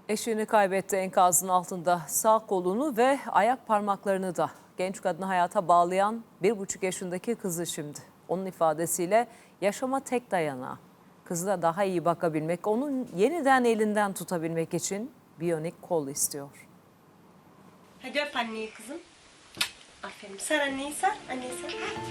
Eşini kaybetti, enkazın altında sağ kolunu ve ayak parmaklarını da. Genç kadını hayata bağlayan 1,5 yaşındaki kızı şimdi. Onun ifadesiyle yaşama tek dayanağı. Kızına daha iyi bakabilmek, onun yeniden elinden tutabilmek için biyonik kol istiyor. Hadi öp anneyi kızım. Aferin. Sar anneyi sar. Anneyi sar.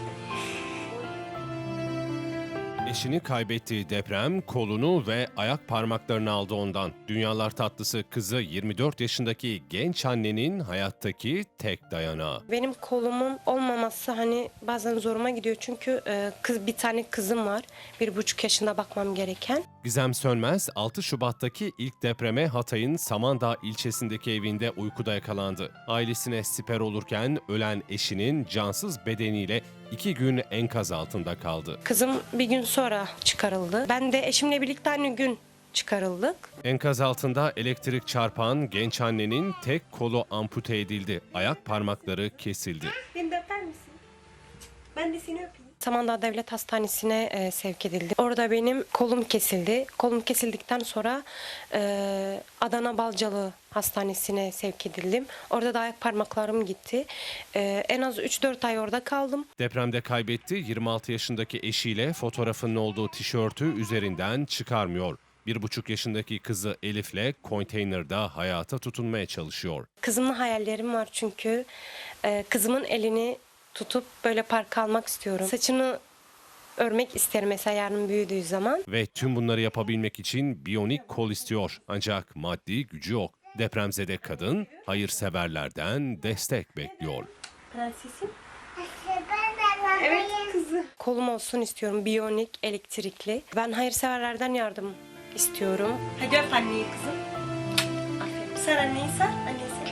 Eşini kaybettiği deprem kolunu ve ayak parmaklarını aldı ondan. Dünyalar tatlısı kızı 24 yaşındaki genç annenin hayattaki tek dayanağı. Benim kolumun olmaması hani bazen zoruma gidiyor. Çünkü bir tane kızım var. 1,5 yaşında bakmam gereken. Gizem Sönmez 6 Şubat'taki ilk depreme Hatay'ın Samandağ ilçesindeki evinde uykuda yakalandı. Ailesine siper olurken ölen eşinin cansız bedeniyle 2 gün enkaz altında kaldı. Kızım bir gün sonra çıkarıldı. Ben de eşimle birlikte aynı gün çıkarıldık. Enkaz altında elektrik çarpan genç annenin tek kolu ampute edildi. Ayak parmakları kesildi. Beni de öper misin? Ben de seni öpeyim. Samandağ Devlet Hastanesi'ne sevk edildi. Orada benim kolum kesildi. Kolum kesildikten sonra Adana Balcalı Hastanesi'ne sevk edildim. Orada da ayak parmaklarım gitti. En az 3-4 ay orada kaldım. Depremde kaybetti 26 yaşındaki eşiyle fotoğrafının olduğu tişörtü üzerinden çıkarmıyor. 1,5 yaşındaki kızı Elif'le konteynerde hayata tutunmaya çalışıyor. Kızımla hayallerim var çünkü kızımın elini tutup böyle parka almak istiyorum. Saçını örmek isterim mesela yarın büyüdüğü zaman. Ve tüm bunları yapabilmek için biyonik kol istiyor. Ancak maddi gücü yok. Depremzede kadın hayırseverlerden destek bekliyor. Prensesim. Evet kızı. Kolum olsun istiyorum. Biyonik, elektrikli. Ben hayırseverlerden yardım istiyorum. Hadi öp anneyi kızım. Aferin. Sar anneyi sar. Annesi.